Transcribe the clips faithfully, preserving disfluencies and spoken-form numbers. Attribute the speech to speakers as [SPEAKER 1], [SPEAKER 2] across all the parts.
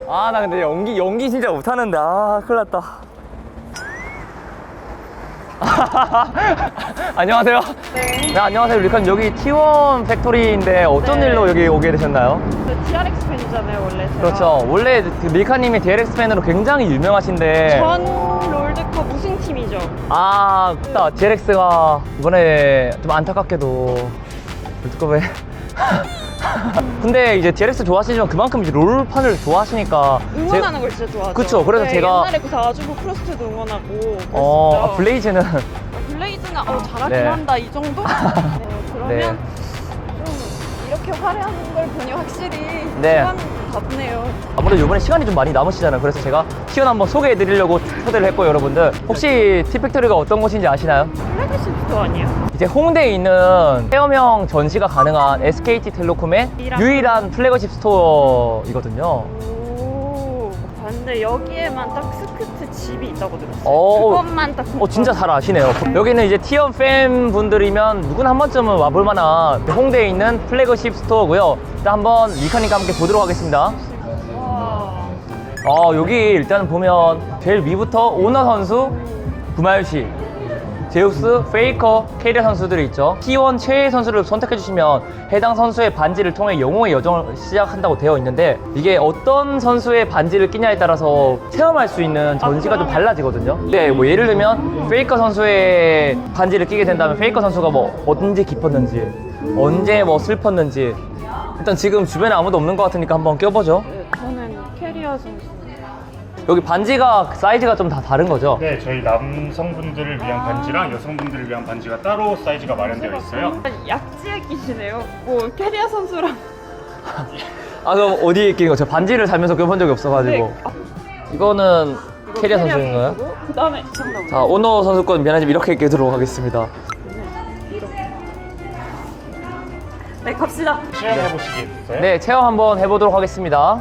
[SPEAKER 1] 아, 나 근데 연기, 연기 진짜 못하는데. 아, 큰일 났다. 안녕하세요.
[SPEAKER 2] 네.
[SPEAKER 1] 네, 안녕하세요. 리카님, 여기 티원 팩토리인데 어떤
[SPEAKER 2] 네.
[SPEAKER 1] 일로 여기 오게 되셨나요?
[SPEAKER 2] 저 티알엑스 팬이잖아요, 원래 제가.
[SPEAKER 1] 그렇죠. 원래 그 밀카님이 디엘엑스 팬으로 굉장히 유명하신데.
[SPEAKER 2] 전 롤드컵 우승팀이죠.
[SPEAKER 1] 아, 맞다. 디엘엑스가 이번에 좀 안타깝게도 롤드컵에. 근데 이제 디엘엑스 좋아하시지만 그만큼 이제 롤판을 좋아하시니까.
[SPEAKER 2] 응원하는 걸 진짜 좋아하죠.
[SPEAKER 1] 그쵸, 그래서
[SPEAKER 2] 네,
[SPEAKER 1] 제가-
[SPEAKER 2] 옛날에 그 사주부 크로스트도 응원하고.
[SPEAKER 1] 어,
[SPEAKER 2] 그랬었죠.
[SPEAKER 1] 아, 블레이즈는.
[SPEAKER 2] 블레이즈는 어, 잘하긴
[SPEAKER 1] 네.
[SPEAKER 2] 한다, 이 정도? 네, 그러면
[SPEAKER 1] 네.
[SPEAKER 2] 좀 이렇게 화려한 걸 보니 확실히
[SPEAKER 1] 네.
[SPEAKER 2] 시간 바쁘네요.
[SPEAKER 1] 아무래도 이번에 시간이 좀 많이 남으시잖아요. 그래서 제가 시간 한번 소개해드리려고 초대를 했고요, 여러분들. 혹시 티팩토리가 어떤 곳인지 아시나요?
[SPEAKER 2] 플래그십 스토어 아니에요?
[SPEAKER 1] 이제 홍대에 있는 체험형 전시가 가능한 에스케이티텔레콤의
[SPEAKER 2] 유일한-
[SPEAKER 1] 유일한 플래그십 스토어이거든요.
[SPEAKER 2] 오, 봤는데 여기에만 딱 스크트 집이 있다고 들었어요.
[SPEAKER 1] 어,
[SPEAKER 2] 그것만 딱.
[SPEAKER 1] 어, 진짜 잘 아시네요. 여기는 이제 티원 팬분들이면 누구나 한 번쯤은 와볼 만한 홍대에 있는 플래그십 스토어고요. 일단 한번 리카님과 함께 보도록 하겠습니다.
[SPEAKER 2] 와.
[SPEAKER 1] 어, 여기 일단 보면 제일 위부터 오너 선수, 구마유시, 제우스, 페이커, 캐리어 선수들이 있죠. 티원 최애 선수를 선택해주시면 해당 선수의 반지를 통해 영웅의 여정을 시작한다고 되어 있는데, 이게 어떤 선수의 반지를 끼냐에 따라서 체험할 수 있는 전시가 좀 달라지거든요. 네, 뭐 예를 들면 페이커 선수의 반지를 끼게 된다면 페이커 선수가 뭐 언제 기뻤는지, 언제 뭐 슬펐는지. 일단 지금 주변에 아무도 없는 것 같으니까 한번 껴보죠.
[SPEAKER 2] 네, 저는 캐리어 선수.
[SPEAKER 1] 여기 반지가 사이즈가 좀 다 다른 거죠?
[SPEAKER 3] 네, 저희 남성분들을 위한 반지랑 여성분들을 위한 반지가 따로 사이즈가 마련되어 있어요.
[SPEAKER 2] 약지에 끼시네요. 뭐 캐리어 선수랑.
[SPEAKER 1] 아, 그럼 어디에 끼는 거죠? 반지를 살면서 껴본 적이 없어가지고.
[SPEAKER 2] 네. 아,
[SPEAKER 1] 이거는
[SPEAKER 2] 이거
[SPEAKER 1] 캐리어 선수인가요?
[SPEAKER 2] 선수고, 그다음에 잠깐만.
[SPEAKER 1] 자, 오너 선수권 면허집 이렇게 끼도록 하겠습니다.
[SPEAKER 2] 이렇게. 네, 갑시다.
[SPEAKER 3] 체험해 보시겠어요?
[SPEAKER 1] 네, 체험 한번 해보도록 하겠습니다.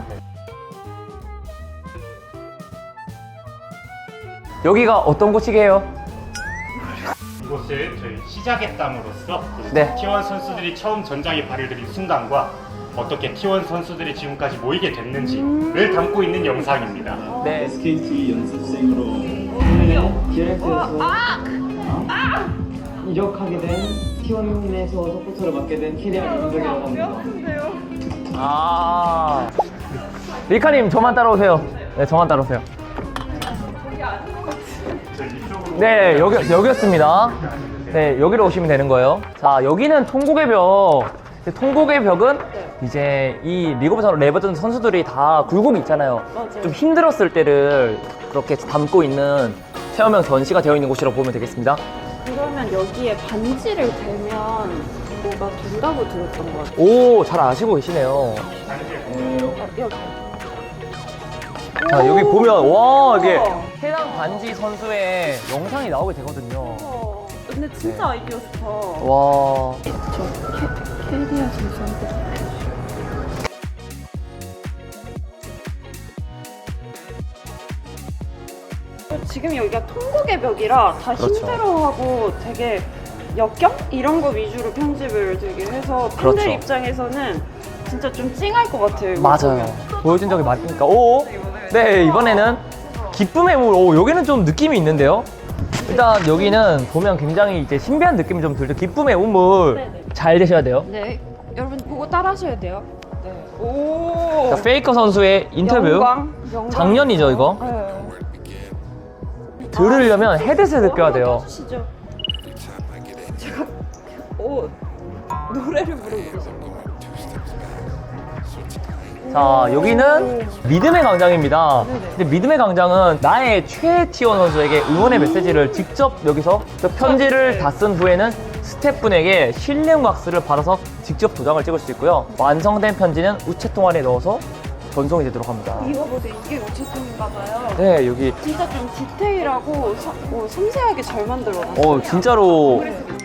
[SPEAKER 1] 여기가 어떤 곳이게요?
[SPEAKER 3] 이곳은 저희 시작의 땅으로서
[SPEAKER 1] 네.
[SPEAKER 3] 티원 선수들이 처음 전장에 발을 들인 순간과 어떻게 티원 선수들이 지금까지 모이게 됐는지를 담고 있는 영상입니다.
[SPEAKER 1] 네.
[SPEAKER 4] 에스케이티 연습생으로
[SPEAKER 1] 디엘엑스에서
[SPEAKER 2] 아!
[SPEAKER 1] 이적하게 된 티원에서 서포터를 맡게 된 캐리어 윤석이라고 합니다.
[SPEAKER 2] 아픈데요.
[SPEAKER 1] 아, 리카님 저만 따라오세요. 네, 저만 따라오세요. 네, 여기, 여기였습니다. 네, 여기로 오시면 되는 거예요. 자, 여기는 통곡의 벽. 통곡의 벽은 이제 이 리그 오브 레버전 선수들이 다 굴곡이 있잖아요.
[SPEAKER 2] 맞아요.
[SPEAKER 1] 좀 힘들었을 때를 그렇게 담고 있는 체험형 전시가 되어 있는 곳이라고 보면 되겠습니다.
[SPEAKER 2] 그러면 여기에 반지를 대면 뭐가 된다고 들었던 것 같아요.
[SPEAKER 1] 오, 잘 아시고 계시네요.
[SPEAKER 2] 아, 여기.
[SPEAKER 1] 자, 여기
[SPEAKER 2] 오!
[SPEAKER 1] 보면, 와, 이게
[SPEAKER 2] 우와.
[SPEAKER 1] 해당 반지 선수의 영상이 나오게 되거든요.
[SPEAKER 2] 어, 근데 진짜 아이디어 좋다.
[SPEAKER 1] 와.
[SPEAKER 2] 저 캐, 캐리어 선수한테. 지금 여기가 통곡의 벽이라 다
[SPEAKER 1] 그렇죠.
[SPEAKER 2] 힘들어하고 되게 역경? 이런 거 위주로 편집을 되게 해서 팬들
[SPEAKER 1] 그렇죠.
[SPEAKER 2] 입장에서는 진짜 좀 찡할 것 같아요. 이거
[SPEAKER 1] 맞아요.
[SPEAKER 2] 보면.
[SPEAKER 1] 보여준 적이 많으니까. 오, 네, 이번에는 기쁨의 물. 오, 여기는 좀 느낌이 있는데요. 일단 여기는 보면 굉장히 이제 신비한 느낌이 좀 들죠. 기쁨의 우물.
[SPEAKER 2] 네네.
[SPEAKER 1] 잘 되셔야 돼요.
[SPEAKER 2] 네, 여러분 보고 따라 하셔야 돼요. 네. 오.
[SPEAKER 1] 자, 페이커 선수의 인터뷰.
[SPEAKER 2] 영광, 영광.
[SPEAKER 1] 작년이죠, 이거?
[SPEAKER 2] 네.
[SPEAKER 1] 들으려면 헤드셋을 껴야 돼요.
[SPEAKER 2] 해주시죠. 제가 오 노래를 부르고 계세요.
[SPEAKER 1] 자, 여기는 믿음의 광장입니다.
[SPEAKER 2] 네네.
[SPEAKER 1] 근데 믿음의 광장은 나의 최애 티원 선수에게 응원의 메시지를 직접 여기서 그 편지를 다 쓴 후에는 스태프분에게 실명 박스를 받아서 직접 도장을 찍을 수 있고요. 완성된 편지는 우체통 안에 넣어서 전송이 되도록 합니다.
[SPEAKER 2] 이거 보세요. 이게 우체통인가 봐요.
[SPEAKER 1] 네, 여기
[SPEAKER 2] 진짜 좀 디테일하고 서, 어, 섬세하게 잘 만들어놨어요.
[SPEAKER 1] 어 진짜로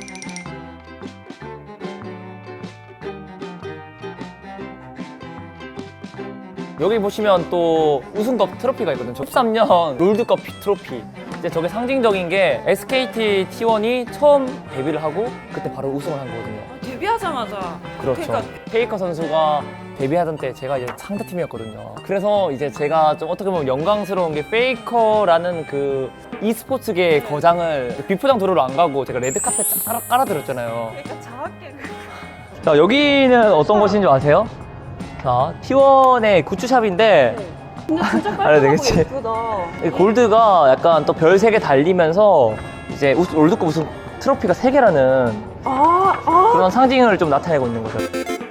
[SPEAKER 1] 여기 보시면 또 우승컵 트로피가 있거든요. 십삼 년 롤드컵 트로피. 이제 저게 상징적인 게 에스케이티 티원이 처음 데뷔를 하고 그때 바로 우승을 한 거거든요.
[SPEAKER 2] 데뷔하자마자
[SPEAKER 1] 그렇죠.
[SPEAKER 2] 그러니까
[SPEAKER 1] 페이커 선수가 데뷔하던 때 제가 이제 상대팀이었거든요. 그래서 이제 제가 좀 어떻게 보면 영광스러운 게 페이커라는 그 e스포츠계의 거장을 비포장 도로로 안 가고 제가 레드카펫 쫙 깔아, 깔아드렸잖아요.
[SPEAKER 2] 그러니까 정확히
[SPEAKER 1] 자, 여기는 어떤 곳인 줄 아세요? 자, 티원의 굿즈샵인데
[SPEAKER 2] 근데 진짜
[SPEAKER 1] 알아야
[SPEAKER 2] 깔끔하고
[SPEAKER 1] 되겠지?
[SPEAKER 2] 예쁘다.
[SPEAKER 1] 이 골드가 약간 또 별 세 개 달리면서 이제 우스- 롤드컵 우승 트로피가 세 개라는
[SPEAKER 2] 아, 아.
[SPEAKER 1] 그런 상징을 좀 나타내고 있는 거죠.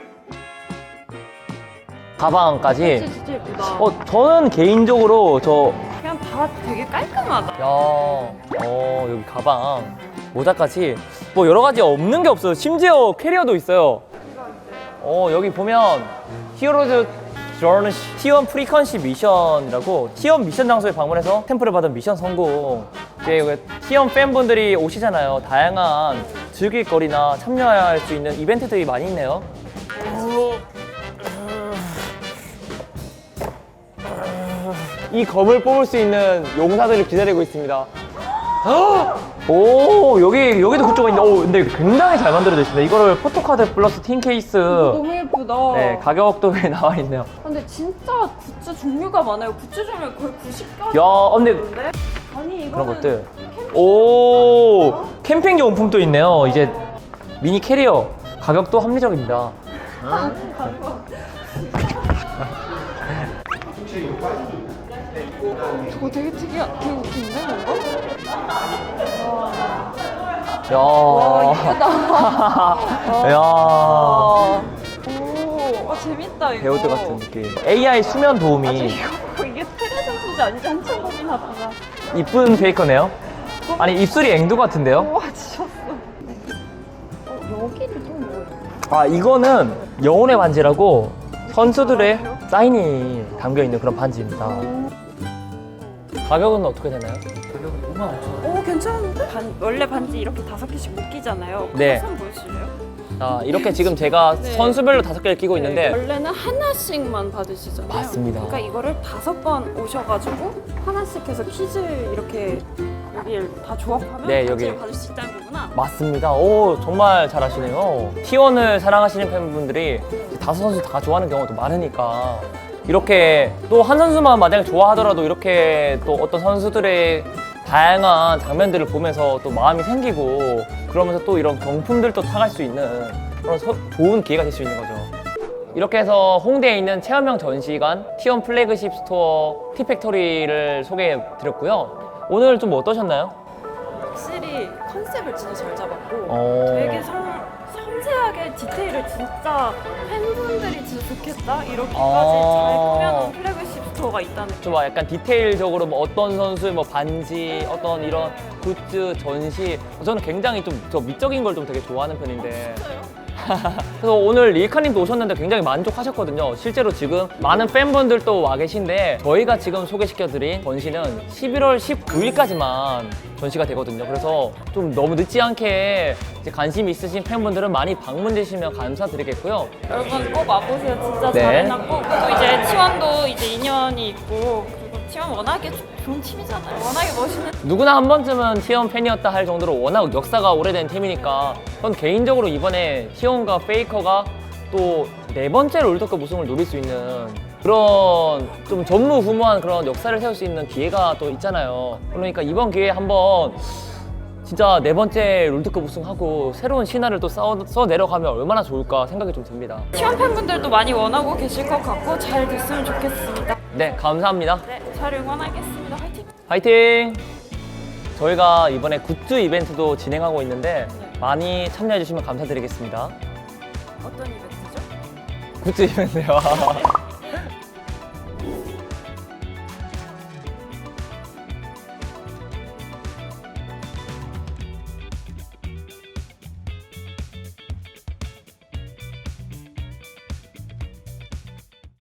[SPEAKER 1] 가방까지.
[SPEAKER 2] 진짜, 진짜 예쁘다.
[SPEAKER 1] 어, 저는 개인적으로 저,
[SPEAKER 2] 그냥 다 되게 깔끔하다.
[SPEAKER 1] 야, 어, 여기 가방, 모자까지 뭐 여러 가지 없는 게 없어요. 심지어 캐리어도 있어요. 어, 여기 보면 히어로즈 저는 티원 프리퀀시 미션이라고 티원 미션 장소에 방문해서 템플을 받은 미션 성공. 이제 여기 티원 팬분들이 오시잖아요. 다양한 즐길 거리나 참여할 수 있는 이벤트들이 많이 있네요. 이 검을 뽑을 수 있는 용사들을 기다리고 있습니다. 오, 여기 여기도 그쪽가 있는데, 오, 근데 굉장히 잘 만들어져 있습니다. 이거를 포토카드 플러스 틴 케이스.
[SPEAKER 2] 너무 예쁘다.
[SPEAKER 1] 네, 가격도 왜 나와 있네요.
[SPEAKER 2] 근데 진짜 굿즈 종류가 많아요. 굿즈 종류 거의 구십 개.
[SPEAKER 1] 야, 근데
[SPEAKER 2] 아니 이거는
[SPEAKER 1] 그런 것들. 오, 캠핑 용품도 있네요. 이제 미니 캐리어 가격도 합리적입니다.
[SPEAKER 2] 저거 되게 특이한, 되게 웃긴데 뭔가?
[SPEAKER 1] 야,
[SPEAKER 2] 와 이쁘다.
[SPEAKER 1] 야,
[SPEAKER 2] 오, 와 재밌다 이거.
[SPEAKER 1] 배우들 같은 느낌. 에이아이 수면
[SPEAKER 2] 아,
[SPEAKER 1] 도우미.
[SPEAKER 2] 이거 이게 테레 선수지 아니지 한참 고민하다가.
[SPEAKER 1] 이쁜 베이커네요. 아니 입술이 앵두 같은데요?
[SPEAKER 2] 와 지쳤어. 어, 여기는 또 뭐예요?
[SPEAKER 1] 아, 이거는 영혼의 반지라고 선수들의 사인이 담겨 있는 그런 반지입니다. 가격은 어떻게 되나요? 가격은 오만 오천 원.
[SPEAKER 2] 오 괜찮은데? 반, 원래 반지 이렇게 다섯 개씩 못 끼잖아요.
[SPEAKER 1] 네.
[SPEAKER 2] 손 보여주실래요?
[SPEAKER 1] 자, 이렇게 지금 제가
[SPEAKER 2] 네.
[SPEAKER 1] 선수별로 다섯 개를 끼고 있는데
[SPEAKER 2] 원래는 하나씩만 받으시잖아요.
[SPEAKER 1] 맞습니다.
[SPEAKER 2] 그러니까 이거를 다섯 번 오셔가지고 하나씩 해서 퀴즈 이렇게 여기를 다 조합하면
[SPEAKER 1] 네,
[SPEAKER 2] 반지를
[SPEAKER 1] 여기.
[SPEAKER 2] 받을 수 있다는 거구나.
[SPEAKER 1] 맞습니다. 오, 정말 잘 아시네요. 티원을 사랑하시는 팬분들이 다섯 선수 다 좋아하는 경우도 많으니까 이렇게 또 한 선수만 만약에 좋아하더라도 이렇게 또 어떤 선수들의 다양한 장면들을 보면서 또 마음이 생기고 그러면서 또 이런 경품들도 타갈 수 있는 그런 서- 좋은 기회가 될 수 있는 거죠. 이렇게 해서 홍대에 있는 체험형 전시관 티원 플래그십 스토어 티팩토리를 소개해 드렸고요. 오늘 좀 어떠셨나요?
[SPEAKER 2] 확실히 컨셉을 진짜 잘 잡았고
[SPEAKER 1] 어.
[SPEAKER 2] 되게 상, 섬세하게 디테일을 진짜 팬분들이 진짜 좋겠다 이렇게까지
[SPEAKER 1] 아.
[SPEAKER 2] 잘 꾸며놓은 플래그십 스토어가 있다는
[SPEAKER 1] 좀 약간 디테일적으로 뭐 어떤 선수의 뭐 반지, 어떤 이런 굿즈, 전시 저는 굉장히 좀 저 미적인 걸 좀 되게 좋아하는 편인데
[SPEAKER 2] 진짜요?
[SPEAKER 1] 그래서 오늘 릴카님도 오셨는데 굉장히 만족하셨거든요. 실제로 지금 많은 팬분들도 와 계신데 저희가 지금 소개시켜드린 전시는 십일월 십구일까지만 전시가 되거든요. 그래서 좀 너무 늦지 않게 이제 관심 있으신 팬분들은 많이 방문해 주시면 감사드리겠고요.
[SPEAKER 2] 여러분 꼭 와보세요. 진짜
[SPEAKER 1] 네.
[SPEAKER 2] 잘 해놨고 또 이제 티원도 이제 인연이 있고 그리고 티원 워낙에 좋은 팀이잖아요. 워낙에 멋있는
[SPEAKER 1] 누구나 한 번쯤은 티원 팬이었다 할 정도로 워낙 역사가 오래된 팀이니까 전 개인적으로 이번에 티원과 페이커가 또 네 번째 롤드컵 우승을 노릴 수 있는 그런 좀 전무후무한 그런 역사를 세울 수 있는 기회가 또 있잖아요. 그러니까 이번 기회에 한번 진짜 네 번째 롤드컵 우승하고 새로운 신화를 또 써, 써 내려가면 얼마나 좋을까 생각이 좀 듭니다.
[SPEAKER 2] 티원 팬분들도 많이 원하고 계실 것 같고 잘 됐으면 좋겠습니다.
[SPEAKER 1] 네, 감사합니다.
[SPEAKER 2] 네, 잘 응원하겠습니다. 화이팅!
[SPEAKER 1] 화이팅! 저희가 이번에 굿즈 이벤트도 진행하고 있는데 많이 참여해 주시면 감사드리겠습니다.
[SPEAKER 2] 어떤 이벤트죠?
[SPEAKER 1] 굿즈 이벤트요.